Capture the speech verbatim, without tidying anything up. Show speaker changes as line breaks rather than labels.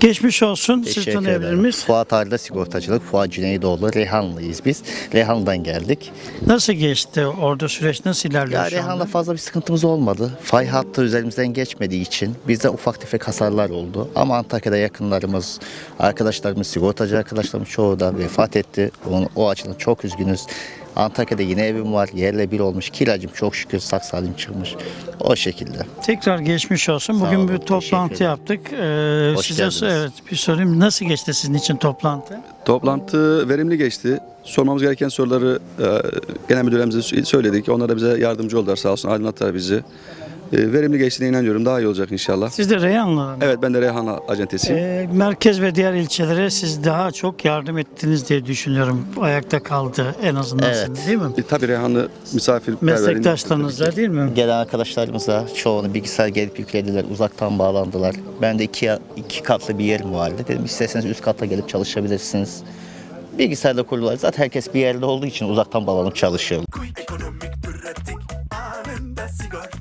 Geçmiş olsun. Siz
Teşekkür
tanıyabilir
ederim.
miyiz?
Fuat Arda Sigortacılık, Fuat Cüneydoğlu, Reyhanlıyız biz. Reyhanlı'dan geldik.
Nasıl geçti orada süreç? Nasıl ilerliyor
Ya
şu
Reyhan'la
anda?
fazla bir sıkıntımız olmadı. Fay hattı üzerimizden geçmediği için bizde ufak tefek hasarlar oldu. Ama Antakya'da yakınlarımız, arkadaşlarımız, sigortacı arkadaşlarımız çoğu da vefat etti. Onun, o açıdan çok üzgünüz. Antakya'da yine evim var. Yerle bir olmuş. Kiracım çok şükür sağ salim çıkmış. O şekilde.
Tekrar geçmiş olsun.
Sağ
Bugün
olun,
bir
teşekkür
toplantı
ederim.
yaptık. Ee,
Hoş
size
geldiniz.
evet bir sorayım. Nasıl geçti sizin için toplantı?
Toplantı verimli geçti. Sormamız gereken soruları e, genel müdürlerimize söyledik. Onlar da bize yardımcı oldular sağ olsun, aydınlattılar bizi. E, verimli geçtiğine inanıyorum. Daha iyi olacak inşallah.
Siz de Reyhanlı mı?
Evet, ben de Reyhan acentesiyim.
Ee, merkez ve diğer ilçelere siz daha çok yardım ettiniz diye düşünüyorum. Ayakta kaldı en azından
Evet.
sizin, değil mi?
E, tabii Reyhanlı misafirperverin...
Meslektaşlarınızla değil mi?
Gelen arkadaşlarımıza çoğunu bilgisayar gelip yüklediler, uzaktan bağlandılar. Ben de iki, iki katlı bir yerim vardı. Dedim isterseniz üst katta gelip çalışabilirsiniz. Bilgisayarda kurdular. Zaten herkes bir yerde olduğu için uzaktan bağlanıp çalışıyor.
Ekonomik, pratik, anında sigorta.